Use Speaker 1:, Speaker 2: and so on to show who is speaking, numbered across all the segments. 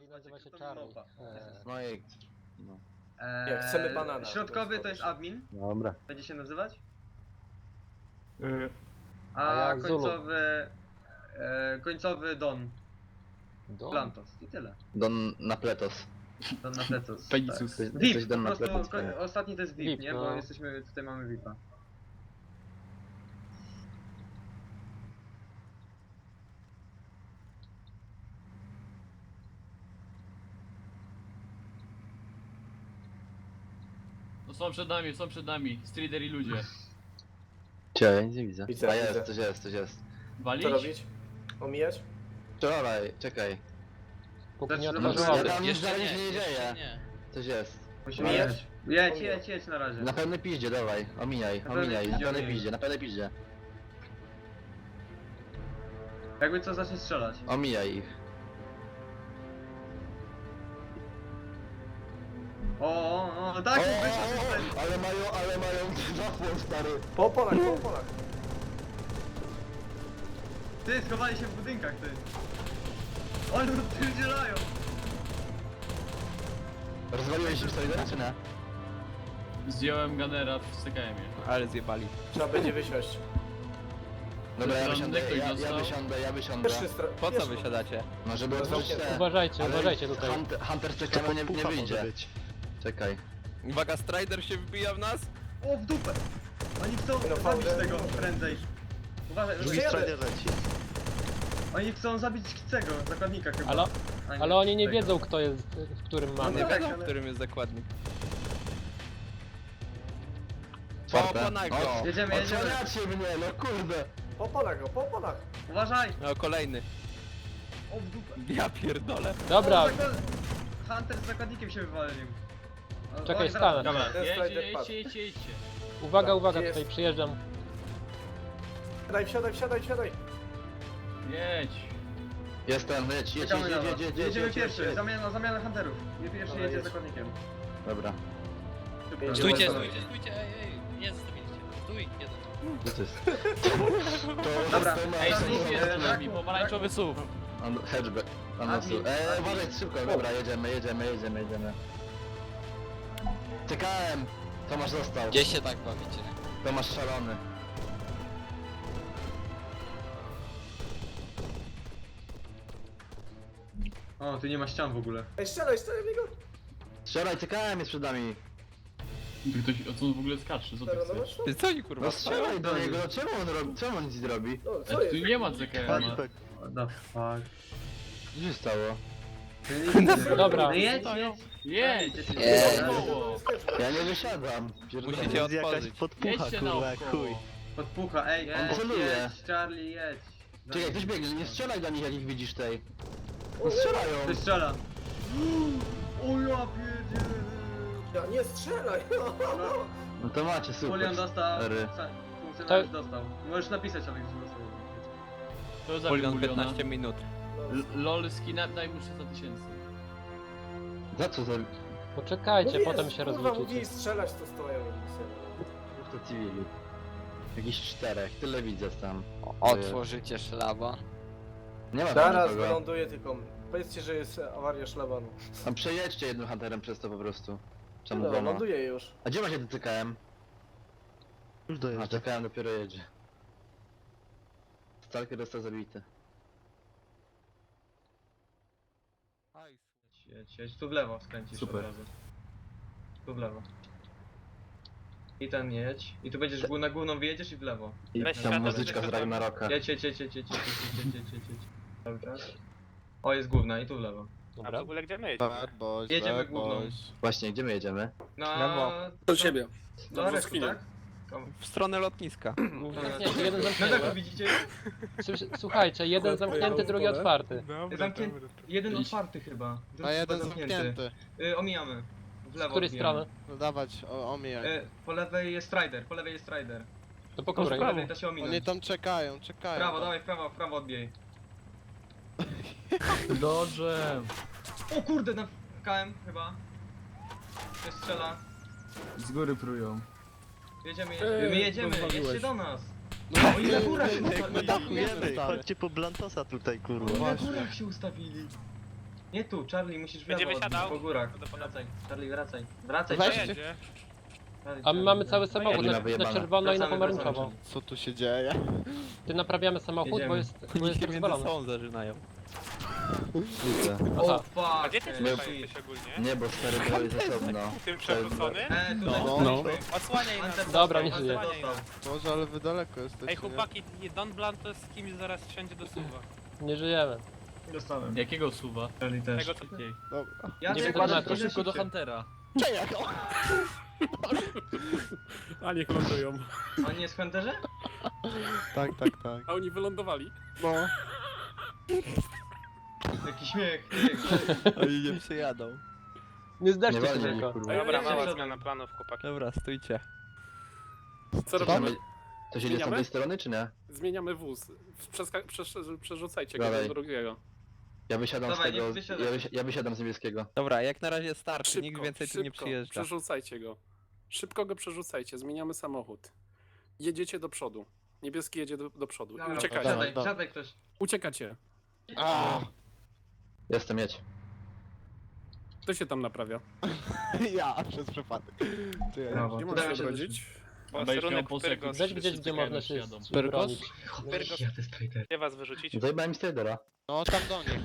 Speaker 1: i nazywa się Charlie.
Speaker 2: No i... No.
Speaker 3: Nie, chcemy banana.
Speaker 4: Środkowy to jest admin,
Speaker 2: Dobra.
Speaker 4: będzie się nazywać.
Speaker 1: A
Speaker 4: A
Speaker 1: ja Zulu.
Speaker 4: końcowy Don.
Speaker 1: Do?
Speaker 4: Plantos. I tyle.
Speaker 2: Don Napletos.
Speaker 4: Don na plecos.
Speaker 5: Pegasus.
Speaker 4: Tak.
Speaker 2: Coś
Speaker 4: VIP,
Speaker 2: Don
Speaker 4: po prostu
Speaker 2: Napletos.
Speaker 4: ostatni to jest VIP,
Speaker 1: VIP,
Speaker 4: nie?
Speaker 1: no.
Speaker 4: Bo jesteśmy, tutaj mamy VIPa.
Speaker 5: No są przed nami, są przed nami. Strider i ludzie.
Speaker 2: Cie, ja nic nie widzę.
Speaker 3: Widzę,
Speaker 2: A jest,
Speaker 3: widzę.
Speaker 2: coś jest, coś jest.
Speaker 5: Walić?
Speaker 3: Co robić? Omijać?
Speaker 2: Wczoraj, czekaj.
Speaker 1: Póki nie
Speaker 4: Zaczynamy
Speaker 1: otworzyła.
Speaker 2: Ja tam nic
Speaker 6: Jeszcze
Speaker 2: nie dzieje.
Speaker 6: nie.
Speaker 2: Coś jest.
Speaker 4: Musimy
Speaker 3: Mijać?
Speaker 4: jechać. Jedź na razie.
Speaker 2: Na pewno piździe, dawaj. Omijaj,
Speaker 4: Na pewno
Speaker 2: omijaj. Na
Speaker 4: piździe,
Speaker 2: pewno
Speaker 4: omijaj.
Speaker 2: piździe, na pewno piździe.
Speaker 4: Jakby co zacznie strzelać.
Speaker 2: Omijaj ich.
Speaker 4: O, tak, weź
Speaker 2: ale mają zapłon, stary.
Speaker 3: Po polach, po polach.
Speaker 4: Ty, schowali się w budynkach, ty. Oni odpierdzielają.
Speaker 2: Rozwaliłeś już sobie czy nie?
Speaker 5: Zdjąłem Gunnera w CKM-ie.
Speaker 7: Ale zjebali.
Speaker 3: Trzeba będzie wysiąść.
Speaker 2: Dobra, ja
Speaker 5: Tam
Speaker 2: wysiądę,
Speaker 5: ktoś
Speaker 2: ja
Speaker 5: dostał?
Speaker 2: wysiądę, ja wysiądę.
Speaker 3: Pierwszy stra...
Speaker 7: Po co
Speaker 3: pierwszy-
Speaker 7: wysiadacie?
Speaker 2: No żeby otworzyć te...
Speaker 1: Uważajcie,
Speaker 2: Ale
Speaker 1: uważajcie tutaj.
Speaker 2: Hunter z czekamy nie wyjdzie. Czekaj.
Speaker 7: Uwaga, Strider się wbija w nas?
Speaker 4: O, w dupę. Oni chcą
Speaker 3: No,
Speaker 4: zabić
Speaker 3: fałdę.
Speaker 4: tego prędzej. Uważaj,
Speaker 3: Drugi strider
Speaker 4: oni chcą zabić tego, zakładnika chyba.
Speaker 1: Ale,
Speaker 4: A nie,
Speaker 1: ale oni nie
Speaker 4: tego.
Speaker 1: wiedzą kto jest, w którym
Speaker 4: No
Speaker 1: mamy.
Speaker 7: Nie
Speaker 4: tak,
Speaker 7: wiadomo,
Speaker 4: ale-
Speaker 7: w którym jest zakładnik.
Speaker 2: Czwarte.
Speaker 7: Po nago!
Speaker 4: Jedziemy.
Speaker 2: Odsłaniacie mnie, no kurde.
Speaker 3: Po polach go, po polach.
Speaker 4: Uważaj.
Speaker 7: No kolejny.
Speaker 4: O, w dupę.
Speaker 7: Ja pierdolę.
Speaker 1: Dobra,
Speaker 4: O, Hunter z zakładnikiem się wywalił. O,
Speaker 1: Czekaj,
Speaker 4: o,
Speaker 1: stanę.
Speaker 5: Dobra,
Speaker 3: Ten Strider padł.
Speaker 5: jedźcie.
Speaker 1: uwaga, uwaga,
Speaker 3: Gdzie jest?
Speaker 1: tutaj przyjeżdżam.
Speaker 3: Wsiadaj.
Speaker 5: Jedź.
Speaker 2: Jestem, jedź.
Speaker 4: Czekamy na was. Jedziemy
Speaker 2: jedź,
Speaker 4: pierwszy,
Speaker 2: jedź.
Speaker 4: zamiana hunterów. Pierwszy
Speaker 3: Dobra,
Speaker 4: jedzie
Speaker 3: jedź.
Speaker 4: zakładnikiem.
Speaker 2: Dobra.
Speaker 3: Jedziemy.
Speaker 6: Stójcie,
Speaker 3: Dobra.
Speaker 6: ej, nie zostawiliście. Stój, jeden.
Speaker 2: Co to jest?
Speaker 4: Dobra.
Speaker 5: Ej,
Speaker 4: Tak,
Speaker 5: SUV jest
Speaker 4: tak,
Speaker 5: za nami,
Speaker 4: tak.
Speaker 5: pomarańczowy SUV.
Speaker 2: Hatchback.
Speaker 4: Admin.
Speaker 2: Uważaj, szybko, dobra, jedziemy. TKM! Tomasz został.
Speaker 6: Gdzie się tak bawicie?
Speaker 2: Tomasz szalony.
Speaker 4: O, tu nie ma ścian w ogóle.
Speaker 3: Ej, strzelaj w niego.
Speaker 2: Strzelaj, TKM jest przed nami.
Speaker 5: Ktoś, o co on w ogóle skacze, co ty
Speaker 3: Teraz
Speaker 5: chcesz?
Speaker 7: Ty co oni kurwa?
Speaker 2: No strzelaj do niego, no czemu on nic nie robi?
Speaker 3: No, co
Speaker 5: Ale tu
Speaker 3: jest?
Speaker 5: nie ma CKM-a.
Speaker 4: What the fuck.
Speaker 2: Co się stało?
Speaker 1: Dobra.
Speaker 4: No jedź.
Speaker 5: Jedź!
Speaker 6: Nie.
Speaker 5: Naokoło.
Speaker 2: Ja nie wysiadam. Pierdolę.
Speaker 7: Musicie otworzyć.
Speaker 5: Jedźcie naokoło.
Speaker 4: Podpucha, ej,
Speaker 2: On celuje.
Speaker 4: jedź, Charlie, jedź.
Speaker 2: Czekaj, ktoś biegnie, nie strzelaj do nich jak ich widzisz tej. No strzelają.
Speaker 4: Ty strzela. O ja pierdzielę.
Speaker 3: Ja, nie strzelaj.
Speaker 2: No to macie, super.
Speaker 4: Julian dostał.
Speaker 2: Stary.
Speaker 4: Funkcjonariusz dostał. Możesz napisać, ale już dostał.
Speaker 5: To za
Speaker 7: Poligon
Speaker 5: miliona.
Speaker 7: 15 minut.
Speaker 5: LOL skinap daj mu 300 000.
Speaker 2: Za co za...
Speaker 1: Poczekajcie, potem się
Speaker 3: Kurwa,
Speaker 1: rozliczycie.
Speaker 3: mówili strzelać, to stoją i
Speaker 2: To cywili. Jakiś 4, tyle widzę tam.
Speaker 6: Otworzycie szlaban.
Speaker 2: Nie ma tam
Speaker 3: Zaraz
Speaker 2: nikogo.
Speaker 3: wyląduję, tylko powiedzcie, że jest awaria szlabanu.
Speaker 2: Tam przejedźcie jednym hunterem przez to po prostu. Czemu
Speaker 3: No,
Speaker 2: dwoma?
Speaker 3: ląduję już.
Speaker 2: A gdzie macie ten TKM?
Speaker 8: Już
Speaker 2: A
Speaker 8: dojeżdżę.
Speaker 2: TKM dopiero jedzie. Stalker został zabity.
Speaker 4: Jedź, tu w lewo skręcisz
Speaker 5: Super.
Speaker 4: od razu. Tu w lewo. I ten jedź. I tu będziesz na główną wyjedziesz i w lewo.
Speaker 2: I tam muzyczka z Ragnaroka.
Speaker 4: Jedź. Cały czas. O, jest główna i tu w lewo.
Speaker 1: Dobra.
Speaker 7: Bad boys,
Speaker 4: Jedziemy
Speaker 7: bad
Speaker 4: główną.
Speaker 7: boys.
Speaker 2: Właśnie, gdzie my jedziemy?
Speaker 4: No,
Speaker 7: Do siebie.
Speaker 4: do Resku, tak?
Speaker 7: W stronę lotniska.
Speaker 1: Nie, jeden
Speaker 4: Na dachu
Speaker 1: zamknięty.
Speaker 4: widzicie?
Speaker 1: Słuchajcie, jeden zamknięty, drugi otwarty.
Speaker 4: Zamknięty. Jeden otwarty chyba.
Speaker 9: A jeden zamknięty.
Speaker 4: Omijamy. W
Speaker 1: Z
Speaker 4: lewo
Speaker 1: której
Speaker 4: odbijamy.
Speaker 1: strony?
Speaker 9: No dawać, omijaj.
Speaker 4: Po lewej jest Strider, po lewej jest Strider.
Speaker 1: To po
Speaker 4: Po
Speaker 1: której?
Speaker 4: lewej to się ominę.
Speaker 9: Oni tam czekają.
Speaker 4: W prawo, dawaj w prawo odbijaj.
Speaker 5: Dobrze.
Speaker 4: O kurde, na KM chyba. Ktoś strzela.
Speaker 5: Z góry prują.
Speaker 4: Jedziemy. My jedziemy, jedźcie do nas.
Speaker 9: No,
Speaker 4: Oni na górach się
Speaker 8: Jak my
Speaker 4: ustawili.
Speaker 8: dachujemy, chodźcie po Blantosa tutaj, kurwa.
Speaker 4: Oni na górach się ustawili. Nie tu, Charlie, musisz w
Speaker 8: Będzie
Speaker 4: lewo,
Speaker 8: wysiadał?
Speaker 4: po górach.
Speaker 8: Do ponownego.
Speaker 4: Wracaj, Charlie, wracaj. Wracaj,
Speaker 9: Weź
Speaker 4: Charlie.
Speaker 8: Jedzie.
Speaker 4: Charlie,
Speaker 1: A my mamy cały samochód
Speaker 2: Jedziemy,
Speaker 1: na
Speaker 2: wyjebane.
Speaker 1: czerwono i na
Speaker 4: Wracamy,
Speaker 1: pomarańczowo.
Speaker 9: Co tu się dzieje?
Speaker 1: Ty naprawiamy samochód, bo
Speaker 4: Jedziemy.
Speaker 1: jest
Speaker 7: Oni się między
Speaker 1: rozwalony.
Speaker 7: sobą zażynają.
Speaker 2: Widzę.
Speaker 4: O,
Speaker 8: A
Speaker 4: fuck.
Speaker 8: gdzie ty
Speaker 2: Nie.
Speaker 8: jesteś ogólnie?
Speaker 2: Nie, bo stary były ze sobą.
Speaker 8: Tym przewrócony?
Speaker 4: Tutaj
Speaker 9: No.
Speaker 8: Odsłaniaj nas.
Speaker 4: Hunter
Speaker 1: Dobra,
Speaker 4: dostał,
Speaker 1: nie
Speaker 4: Hunter
Speaker 1: żyje.
Speaker 4: dostał.
Speaker 9: Może, ale wy daleko jesteście.
Speaker 8: Ej chłopaki, Don Blunt to z kimś zaraz wsiądzie do suwa.
Speaker 1: Nie żyjemy.
Speaker 4: Dostałem.
Speaker 5: Jakiego suwa?
Speaker 4: Charlie też.
Speaker 8: Tego co...
Speaker 9: Nie? Dobra.
Speaker 4: Ja
Speaker 1: Nie
Speaker 4: nie
Speaker 1: wykładam,
Speaker 4: wykładam,
Speaker 1: to
Speaker 5: Szybko do Huntera.
Speaker 10: A niech lądują.
Speaker 4: On nie jest w Hunterze?
Speaker 9: Tak, tak, tak.
Speaker 10: A oni wylądowali.
Speaker 9: No.
Speaker 4: Jaki śmiech.
Speaker 7: Oni nie przyjadą.
Speaker 1: Nie
Speaker 2: Nie
Speaker 1: zdarzcie się
Speaker 2: walnij ich,
Speaker 1: tylko.
Speaker 2: kurwa.
Speaker 8: Dobra,
Speaker 4: Jeszcze
Speaker 8: mała
Speaker 4: przodem.
Speaker 8: zmiana planów chłopaki.
Speaker 7: Dobra, stójcie.
Speaker 10: Co
Speaker 2: To
Speaker 10: robimy?
Speaker 2: to się idzie z
Speaker 10: Zmieniamy?
Speaker 2: tamtej strony, czy nie?
Speaker 10: Zmieniamy wóz. Przerzucajcie go
Speaker 2: Dawaj.
Speaker 10: do drugiego.
Speaker 2: Ja wysiadam
Speaker 4: Dawaj,
Speaker 2: z tego,
Speaker 4: nie wysiadaj.
Speaker 2: ja wysiadam z niebieskiego.
Speaker 7: Dobra, jak na razie starczy, nikt
Speaker 10: Szybko,
Speaker 7: więcej tu nie
Speaker 10: szybko.
Speaker 7: przyjeżdża.
Speaker 10: Przerzucajcie go. Szybko go przerzucajcie, zmieniamy samochód. Jedziecie do przodu. Niebieski jedzie do przodu. I
Speaker 4: Dobra,
Speaker 10: uciekajcie.
Speaker 4: Siadaj,
Speaker 9: Dobra.
Speaker 4: siadaj ktoś.
Speaker 10: Uciekacie.
Speaker 9: A,
Speaker 2: Jestem, jedź.
Speaker 10: Kto się tam naprawia?
Speaker 9: ja przez przypadek. Czekaj.
Speaker 4: Brawo.
Speaker 10: Nie
Speaker 4: Udało
Speaker 10: możesz
Speaker 4: się
Speaker 10: się odrodzić.
Speaker 8: Posterunek Pyrgos.
Speaker 1: Weź gdzieś, gdzie można się
Speaker 9: Pyrgos?
Speaker 1: bronić.
Speaker 8: Pyrgos.
Speaker 4: Ja te Strider.
Speaker 8: Gdzie was wyrzucić?
Speaker 2: Zajebałem mi Stradera.
Speaker 9: No tam do nich.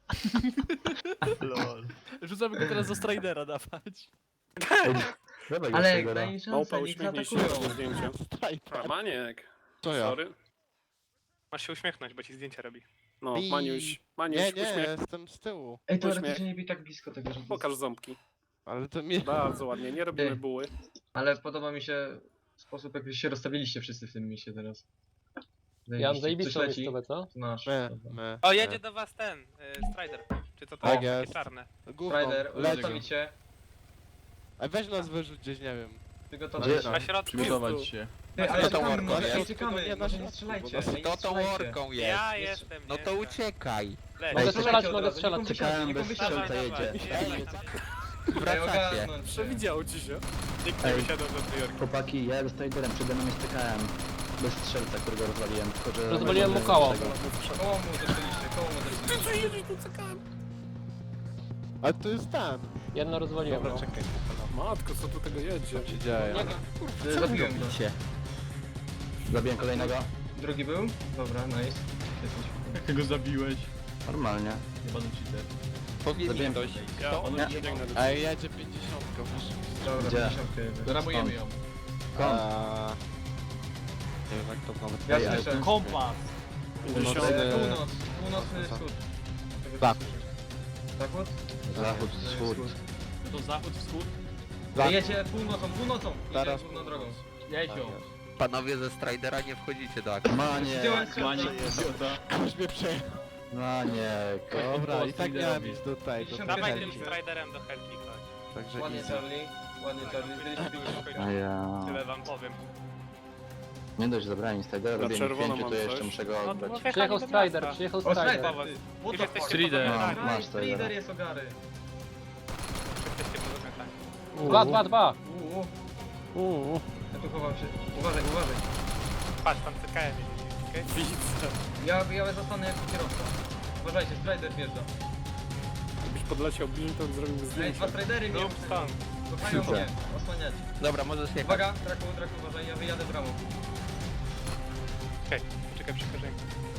Speaker 5: Rzucamy go teraz do Stridera dawać.
Speaker 2: Dawaj go
Speaker 4: Ale
Speaker 2: Stradera.
Speaker 4: daj mi
Speaker 10: Małpa,
Speaker 4: szansę, niech
Speaker 10: uśmiechnij się
Speaker 4: zaatakują.
Speaker 10: na zdjęcie. A, Maniek.
Speaker 9: Co ja?
Speaker 10: Sorry.
Speaker 8: Masz się uśmiechnąć, bo ci zdjęcia robi.
Speaker 10: No,
Speaker 9: I-
Speaker 10: Maniuś. Maniuś,
Speaker 9: Nie, nie,
Speaker 10: uśmiech.
Speaker 9: jestem z tyłu.
Speaker 4: Ej, to
Speaker 10: Uśmiech.
Speaker 4: raczej nie bij tak blisko tego, że...
Speaker 10: Pokaż ząbki.
Speaker 9: Ale to mi...
Speaker 10: Bardzo ładnie, nie robimy
Speaker 4: Ty.
Speaker 10: buły.
Speaker 4: Ale podoba mi się sposób, jak się rozstawiliście wszyscy w tym misie teraz.
Speaker 1: Ja mam
Speaker 4: Coś
Speaker 1: zajebistą
Speaker 4: leci?
Speaker 1: miejscówę, co?
Speaker 4: To nasz.
Speaker 9: Me,
Speaker 4: Dobra.
Speaker 9: me.
Speaker 8: O, jedzie do was ten, Strider. Czy co to
Speaker 9: Tak
Speaker 8: jest?
Speaker 9: jest.
Speaker 8: Takie czarne.
Speaker 9: Gówno,
Speaker 4: Strider,
Speaker 9: leci.
Speaker 4: ustawić się.
Speaker 9: Ej, weź nas wyrzuć gdzieś, nie wiem.
Speaker 4: Przygotować
Speaker 2: Gdzie?
Speaker 4: się.
Speaker 8: Na środku.
Speaker 5: Przygotować się.
Speaker 4: Ty, ale
Speaker 7: to
Speaker 4: czekamy,
Speaker 7: worko,
Speaker 4: może
Speaker 7: nie?
Speaker 4: nie czekamy,
Speaker 9: Nie, na
Speaker 4: może nie
Speaker 9: środku,
Speaker 4: strzelajcie.
Speaker 9: bo
Speaker 4: nie
Speaker 7: Kto to
Speaker 4: strzelajcie.
Speaker 7: worką jest?
Speaker 8: Ja jestem,
Speaker 7: No
Speaker 8: nie
Speaker 7: to
Speaker 8: jestem.
Speaker 7: uciekaj.
Speaker 8: Leć.
Speaker 1: Mogę
Speaker 4: Ej,
Speaker 1: strzelać,
Speaker 4: od
Speaker 1: mogę
Speaker 4: razu,
Speaker 1: strzelać.
Speaker 4: niech on
Speaker 2: Czekałem,
Speaker 4: wysiądzie,
Speaker 2: bez
Speaker 4: niech on
Speaker 2: strzelca
Speaker 4: wysiądzie.
Speaker 2: jedzie.
Speaker 8: Ej,
Speaker 4: Daj
Speaker 7: Wracacie.
Speaker 4: ogarnąć się.
Speaker 10: Przewidziało ci się.
Speaker 8: nikt nie
Speaker 2: Ej.
Speaker 8: wysiadał do New Yorku.
Speaker 2: Chłopaki, ja z Straderem przede mną jest TKM. Bez strzelca, którego rozwaliłem. Tylko, że
Speaker 1: Rozwaliłem mu koło.
Speaker 4: Koło mu zeszliście, koło mu zeszliście.
Speaker 9: Ale to jest ten.
Speaker 1: Jedno rozwaliłem.
Speaker 9: Dobra,
Speaker 1: no.
Speaker 9: czekaj.
Speaker 10: Matko, co tu tego jedzie?
Speaker 9: Co się dzieje?
Speaker 4: Zabiłem go.
Speaker 2: Zabiłem kolejnego.
Speaker 4: Drugi był? Dobra, nice.
Speaker 5: Jak go zabiłeś?
Speaker 2: Normalnie.
Speaker 5: Nie będę cheater.
Speaker 7: Powiedz mi
Speaker 2: Zabiłem.
Speaker 7: ktoś.
Speaker 10: Ja on
Speaker 2: Nie.
Speaker 10: biegnę do
Speaker 9: Ej, jedzie 50, proszę.
Speaker 4: Dobra,
Speaker 2: Gdzie?
Speaker 4: 50 jedzie.
Speaker 5: Ramujemy ją.
Speaker 2: Skąd?
Speaker 7: Nie wiem jak to nawet
Speaker 4: Ja
Speaker 2: Ej,
Speaker 4: słyszę.
Speaker 5: Kompas!
Speaker 10: Północ.
Speaker 4: Północ, północny wschód.
Speaker 9: Zachód.
Speaker 4: Zachód?
Speaker 2: Zachód, wschód.
Speaker 5: No to zachód, wschód?
Speaker 4: Jedzie północą, północą! Jedzie
Speaker 9: Zaraz
Speaker 4: górną drogą.
Speaker 5: Jedź ją.
Speaker 7: Panowie ze Stridera nie wchodzicie do akcji.
Speaker 2: Maniek,
Speaker 4: Zdjąłem
Speaker 5: Maniek,
Speaker 4: strzelca.
Speaker 5: idiota.
Speaker 9: Już mnie przejechał.
Speaker 2: Maniek.
Speaker 9: Dobra, i tak
Speaker 5: Post
Speaker 9: miałem
Speaker 5: liderowi.
Speaker 9: iść do tej, do
Speaker 4: 50
Speaker 8: Dawaj
Speaker 9: Helki.
Speaker 8: tym Striderem do Helki, chodź.
Speaker 9: Także
Speaker 4: Ładnie
Speaker 9: easy.
Speaker 4: Charlie, ładnie Charlie, zdjęliście 50.
Speaker 2: A ja...
Speaker 8: Tyle wam powiem.
Speaker 2: Nie dość, zabrałem mi Stradera,
Speaker 10: Na
Speaker 2: robię mi
Speaker 10: czerwono
Speaker 2: 5,
Speaker 10: mam
Speaker 2: to jeszcze
Speaker 10: coś.
Speaker 2: muszę go
Speaker 8: No,
Speaker 2: oddać.
Speaker 8: bo
Speaker 1: Przyjechał
Speaker 8: wjechali do
Speaker 1: Strider,
Speaker 8: miasta.
Speaker 1: przyjechał
Speaker 4: O,
Speaker 1: Strider.
Speaker 4: Strider!
Speaker 8: What
Speaker 4: What
Speaker 8: the
Speaker 4: the
Speaker 8: fuck?
Speaker 4: fuck?
Speaker 5: Strider.
Speaker 2: Masz Stradera.
Speaker 4: Strider jest ogary.
Speaker 8: Jesteście pozamiatani.
Speaker 1: Dwa.
Speaker 4: Ja tu chowam się. Uważaj, uważaj.
Speaker 8: Patrz, tam CKM jedzie, okej?
Speaker 10: Widzę.
Speaker 4: Ja zostanę jako kierowca. Uważajcie, Strider wjeżdża.
Speaker 10: Jakbyś podleciał bliżej, to zrobiłbym
Speaker 4: Ej,
Speaker 10: zdjęcie.
Speaker 4: dwa Stridery mnie
Speaker 8: Rób stąd.
Speaker 4: kochają
Speaker 2: Super.
Speaker 4: mnie. Osłaniać.
Speaker 7: Dobra, możesz jechać.
Speaker 4: Uwaga, Draku, uważaj, ja wyjadę bramą.
Speaker 8: Okej, poczekaj, przekażę.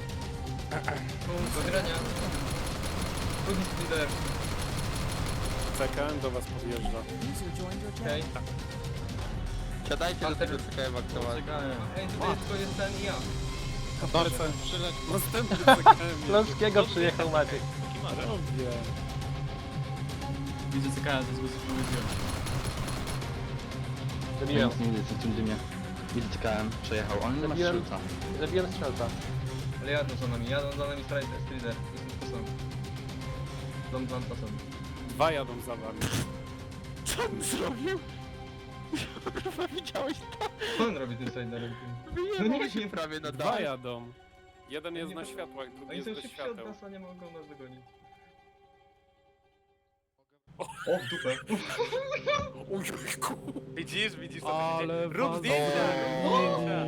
Speaker 4: Do grania. Drugi Strider.
Speaker 10: CKM do was podjeżdża.
Speaker 4: Okej.
Speaker 7: Siadajcie do tego CKM aktualnie.
Speaker 4: Ej, tutaj tylko jest ten i ja.
Speaker 10: Dobrze, przyleć. Następny CKM.
Speaker 1: Śląskiego przyjechał Maciek.
Speaker 10: Robię.
Speaker 5: Widzę CKM, to jest go spróbuję wziąć.
Speaker 2: Ja
Speaker 1: Zabiłem.
Speaker 2: nic nie widzę w tym dymie. Widzę TKM, przejechał. On nie ma
Speaker 1: Zabiłem.
Speaker 2: strzelca.
Speaker 1: Zabiłem strzelca.
Speaker 4: Ale jadą za nami Strider. Jestem posłem. Dom plan posłem.
Speaker 10: Dwa jadą za wami.
Speaker 9: Co on zrobił? Kurwa, widziałeś to?
Speaker 4: Co on robi tym Striderem?
Speaker 7: Wyjebał się prawie na
Speaker 10: Dwa
Speaker 7: dach.
Speaker 10: jadą. Jeden jest na światłach, drugi
Speaker 4: Oni
Speaker 10: jest
Speaker 4: są
Speaker 10: bez
Speaker 4: szybsi od
Speaker 10: świateł.
Speaker 4: nas, a nie mogą nas dogonić. O, w dupę.
Speaker 8: Widzisz co
Speaker 10: Ale
Speaker 8: Rób
Speaker 10: was
Speaker 8: zdjęcia!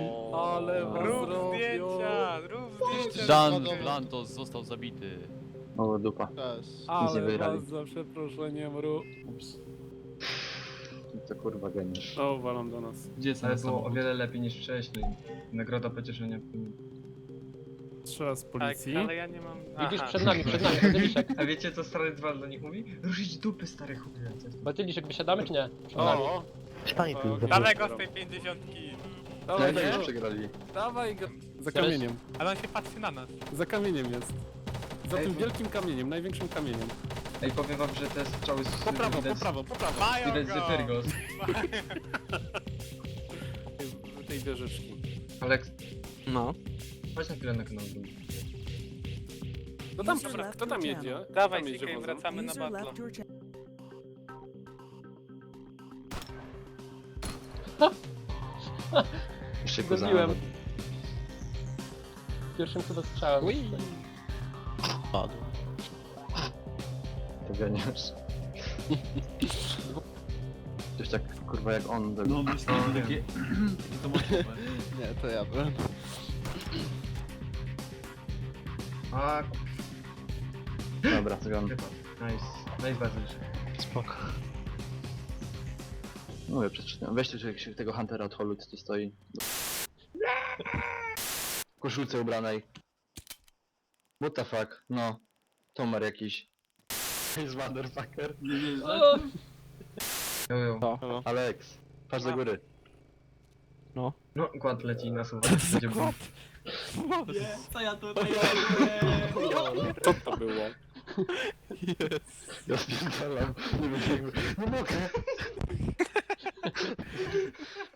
Speaker 10: Ale was
Speaker 8: Rób
Speaker 10: zrobią.
Speaker 8: zdjęcia! Rób zdjęcia!
Speaker 5: Dan Blantos został zabity.
Speaker 2: O, dupa.
Speaker 7: Też.
Speaker 10: Ale
Speaker 2: wygrali.
Speaker 10: was za przeproszeniem ru...
Speaker 2: To kurwa geniusz.
Speaker 10: O, walam do nas.
Speaker 5: Gdzie jest
Speaker 4: Ale
Speaker 5: ten
Speaker 4: było o
Speaker 5: samochód?
Speaker 4: wiele lepiej niż wcześniej. Nagroda pocieszenia.
Speaker 10: Strzela z
Speaker 8: Tak,
Speaker 10: policji.
Speaker 8: ale ja nie mam...
Speaker 1: Widzisz,
Speaker 8: Aha.
Speaker 1: przed nami, Bazyliszek.
Speaker 4: A wiecie co stary Dwal do nich mówi? Ruszyć dupy stary chłopie.
Speaker 1: Bazyliszek, wysiadamy czy nie? Przed nami.
Speaker 10: O!
Speaker 8: Dawaj go z tej 50.
Speaker 10: Dawaj
Speaker 2: No już
Speaker 10: go!
Speaker 2: przegrali.
Speaker 10: Dawaj go! Za
Speaker 1: Teraz-
Speaker 10: kamieniem.
Speaker 8: Ale on się patrzy na nas.
Speaker 10: Za kamieniem jest. Za
Speaker 4: Ej,
Speaker 10: tym
Speaker 4: bo-
Speaker 10: wielkim kamieniem, największym kamieniem.
Speaker 4: Ej, powiem wam, że te strzały z...
Speaker 10: Po prawo, po
Speaker 4: widać-
Speaker 10: prawo, po prawo.
Speaker 8: Mają
Speaker 4: Widać
Speaker 8: go!
Speaker 4: z Pyrgos.
Speaker 10: W tej wieżyczki.
Speaker 4: Aleks,
Speaker 9: No.
Speaker 4: chodź na chwilę na kanał.
Speaker 10: No tam, kto tam jedzie?
Speaker 8: Dawaj,
Speaker 10: Tam jedzie
Speaker 8: Sika, i
Speaker 10: wozem.
Speaker 8: wracamy na battle.
Speaker 2: Jeszcze
Speaker 1: Zgubiłem.
Speaker 2: poznałem.
Speaker 1: Pierwszym chyba strzałem.
Speaker 9: Padł.
Speaker 2: To geniusz. Coś tak kurwa jak on. Tak.
Speaker 5: No, myślę, że takie to mocowe.
Speaker 7: Nie, to ja byłem.
Speaker 4: A,
Speaker 2: Dobra, zgon.
Speaker 4: nice. Nice Bazylisz.
Speaker 2: Spoko. Mówię, przeczytam. Weźcie że tego Huntera od holu, co tu stoi. W koszulce ubranej. What the fuck? No. Tomar jakiś. Jest motherfucker.
Speaker 5: Nie wiesz,
Speaker 4: Jo, jo.
Speaker 7: To.
Speaker 2: Alex, patrz do góry.
Speaker 4: No, kład leci na suwak. Będzie bum.
Speaker 5: Nie, co ja tutaj
Speaker 10: Co to było?
Speaker 2: Ja spierdalam. Nie wiem, nie mogę.